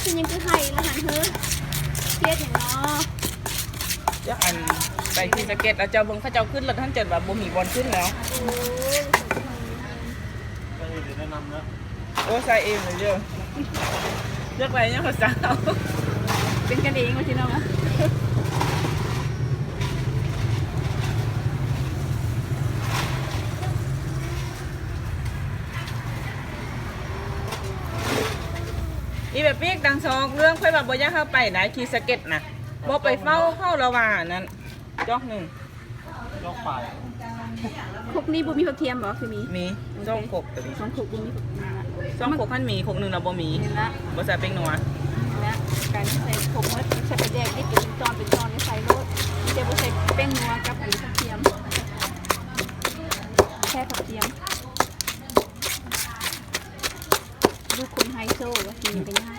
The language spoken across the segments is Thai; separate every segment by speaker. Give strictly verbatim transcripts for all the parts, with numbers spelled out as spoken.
Speaker 1: เป็นยังคือไห้ละหันเฮ้อเครียดอย่างเนาะ
Speaker 2: ยักอันไปที่สเก็ตแล้วเจ้าเบิ่งเขาเจ้าขึ้นรถท่านเจิดแบบบ่มีบอลขึ้นแล้ว
Speaker 1: โอ้ย
Speaker 3: ก็เลยแนะนำนะ
Speaker 2: โอ้ใส่เองเลยเด้อเลือกไปยังภาษาเอา
Speaker 1: เป็นกันเองว่าที่น้องอะ
Speaker 2: อีแบบปีกดังซองเรื่องค่อยแบบบ่อยากเข้าไปไหนขี่สเก็ตน่ะบ่ไปเฝ้าเข้าระหว่างนั้นจอกหนึ่ง
Speaker 3: ยกปลาย
Speaker 1: คุกนี้บุมีผักเทียมบ่คือมี
Speaker 2: มีจ้องขบตัวนี้
Speaker 1: สองคุกบุมีผักเทียมละ
Speaker 2: จ้องขบขั้นมีขบหนึ่งเราบ่มี
Speaker 1: เห็นละ
Speaker 2: บ่ใส่เป็งนัว
Speaker 1: เห็นละการใส่คุกมัดใส่กระแดกนี่เป็นตอนเป็นตอนในใส่รสเดี๋ยวบุใส่แป้งนัวกับอันนี้ผักเทียมแค่ผักเทียมลูกคนไฮโซว่ากินกันยาก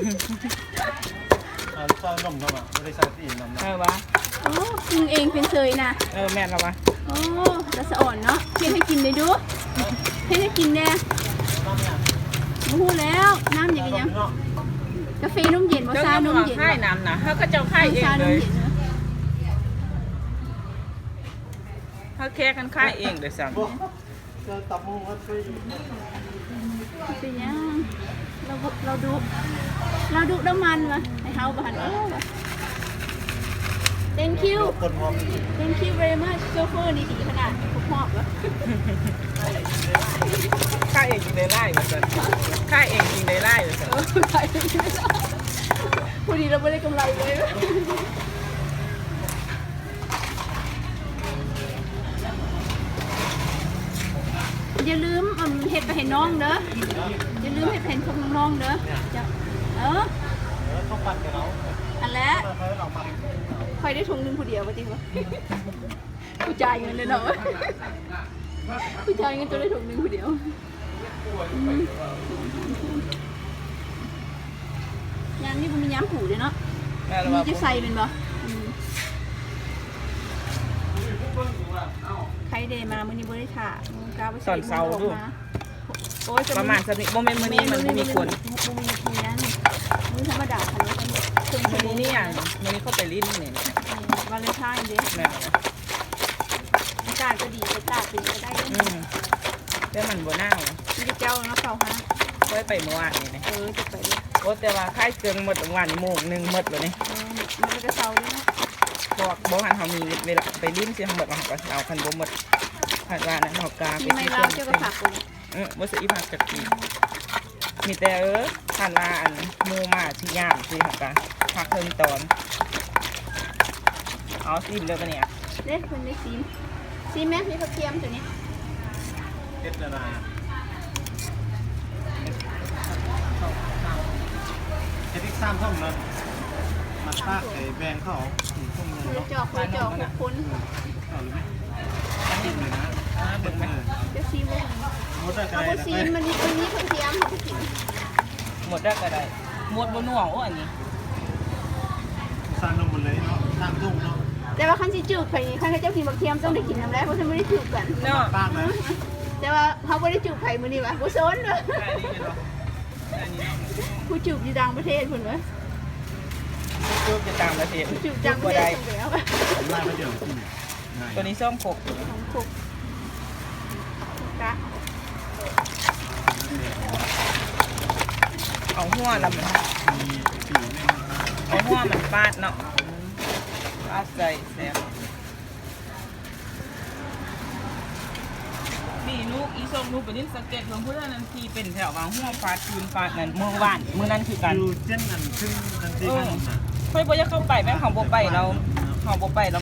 Speaker 3: อ่าลูกชายนมเข้ามาไม่ได้ใส่ตีนนำนะ
Speaker 2: เออวะ
Speaker 1: โอ้มึงเองเป็นเซยนะ
Speaker 2: เออแม่นแล้ววะ
Speaker 1: โอ้ละสะอ่อนเนาะเพียนให้กินเลยดูเพียนให้กินแน่
Speaker 3: น้ำเนี่ย
Speaker 1: มาพูดแล้วน้ำอย่างเงี้ย
Speaker 3: เนาะ
Speaker 1: กาแฟนมเย็นวา
Speaker 2: เจ้า
Speaker 1: ซา
Speaker 2: ยัง
Speaker 1: นม
Speaker 2: ว่า
Speaker 1: เย็น
Speaker 2: ค่ายน้ำนะเขาก็เจ้าค่ายเอง
Speaker 1: ชาน
Speaker 2: เล
Speaker 1: ม
Speaker 2: ย
Speaker 1: เย็นเนาะ
Speaker 2: เขาแค่กันค่ายเองเดี๋ยวสั่ง
Speaker 3: บ่เจอตับมูก็ช่วย
Speaker 1: เป็นยังเราบุเราดูเราดูน้ำมันวะให้เฮาบ้านโอ้วะ thank you
Speaker 3: คนพร้อม
Speaker 1: thank you very much โชเฟอร์นี่ดีขนาดคุกหอบวะ
Speaker 2: ค่ายเองจริงได้ไล่เหมือนกันค่ายเองจริงได้ไล่เหมือนกัน
Speaker 1: เออใครพอดีเราไม่ได้กำไรเลย อย่าลืมอืมเห็ดไปเห็นน้องเด้ออย่าลืมเห็ดไปเห็นพวกน้องๆเด้อจะเออ
Speaker 3: เออต้องปั่นกับเรา
Speaker 1: อันแล้ว
Speaker 3: ค่อยๆเราปั่น
Speaker 1: คอยได้ถุงหนึงผู้เดียวว่าจริงปะผู้จ่ายเงินเลยเนาะผู้จ่ายเงินจะได้ถุงหนึงผู้เดียวอืมยามนี่มันมียามผูเลยเนาะ
Speaker 2: แม่นแล้ว
Speaker 1: มี
Speaker 2: วะ
Speaker 1: จะใส่เป็นบ่อืมใครเดมามื้อนี้บ่ได้ถ่ามื้อกาบ่ใส่มื้อออกมาโอ้ย
Speaker 2: ประมาณสักนิดโมเมนต์มื้อนี้มันบ่มีคน
Speaker 1: บ่มีคนนั้นมื้อธรรมดาคันนี้เครื่อง
Speaker 2: มื้อนี้นี่อย่างมื้อนี้เขาไปลิ้นนี่
Speaker 1: วาเลนไทน์เด้
Speaker 2: แม่นนะ
Speaker 1: อากาศก็ดีไปตากเป็นก็ได้เด้
Speaker 2: อืมแต่มันบ่น่าว
Speaker 1: มีแต่เจ้าเนาะเข้าหา
Speaker 2: ค่อยไปเมื่อวานนี่นะ
Speaker 1: เออจะไปเลย
Speaker 2: โอ้แต่ว่าค่ายเกิงหมดวันโมงหนึงหมดเลยนี่
Speaker 1: เออมันก็จะเซาด้วยเนาะ
Speaker 2: บอกบอกหันเขามีเวลาไปลิ้นสิเขาหมดเขาก็เอาคันบ่หมดคันว่านั้นเขากา
Speaker 1: กิ
Speaker 2: ไป
Speaker 1: นไม่
Speaker 2: ที่
Speaker 1: เล่า
Speaker 2: เพิ่น
Speaker 1: เจ้าก็ฝากคน
Speaker 2: เออบ่ซื้ออีผักจักทีมีแต่เออคันว่าอันหมู่มาที่ย่ามสิเขาก็พักเพิ่นตอนเอาซิมเด้อปะเนี่ย
Speaker 1: เด้คนได้ซีมซีมแม่มีผักเทียมตัวนี้
Speaker 3: เฮ็ดอะไรเฮ็ดอีกสามท่อมนะมาปากไอ้แบงเขาท่อม
Speaker 1: คุย
Speaker 3: เนาะ
Speaker 1: จอกคุยจอกหกคน
Speaker 3: เอาเลยไหมจิ้มเลยนะ
Speaker 2: เบิ่งไหม
Speaker 1: จะซีมเลย
Speaker 3: หมดได้ไกล
Speaker 1: เอา
Speaker 3: นะ
Speaker 1: ซีมมันนี้มันนี้ผักเทียมเขาไปกิน
Speaker 2: หมดได้ก็ได้หมดบ่น่วงโอ้อันนี้
Speaker 3: สร้างนมหมดเลยเนาะสร้างทุ่งเนาะ
Speaker 1: แต่ว่าขั้นสิจูบไปขั้นเจ้ากินผักเทียมต้องได้กินน้ำแล้วเพราะฉันไม่ได้จูบกัน
Speaker 2: เนาะ
Speaker 3: ปากนะ
Speaker 1: แต่ว่าเขาไม่ได้จูบไผ่มือนี่วะกูโซนเลย
Speaker 2: อันนี้เป็นบ่อันนี้
Speaker 1: กูจูบอยู่ต่างประเทศคนวะ
Speaker 2: จูบจะต่างประเทศ
Speaker 1: จูบต่างประ
Speaker 2: บ่
Speaker 1: เทศ
Speaker 2: ได้
Speaker 1: ตรงแล้ว
Speaker 3: ไล่มาเดี๋ยวอืมง่าย
Speaker 2: ตัวนี้ส้มขก
Speaker 1: ของคุกกะ
Speaker 2: เอาหัวลำมัน
Speaker 3: มีผิวเนี่ย
Speaker 2: เอาหัวมันฟาดเนาะฟาดใส่แซ่บนี่ลูกอีส้มลูกไปนี่สังเกตเพิ่นพูดว่านั่นทีเป็นแถววางหัวฟาดคืนฟาดนั่นเมื่อวานมื้อนั้นคือกัน
Speaker 3: อยู่เช่นนั้นซึ่งทันที
Speaker 2: เออ
Speaker 3: นั้นนะ
Speaker 2: ค่อยบ่อยากเข้าไปแม่ของบ่ไปเราของบ่ไปเรา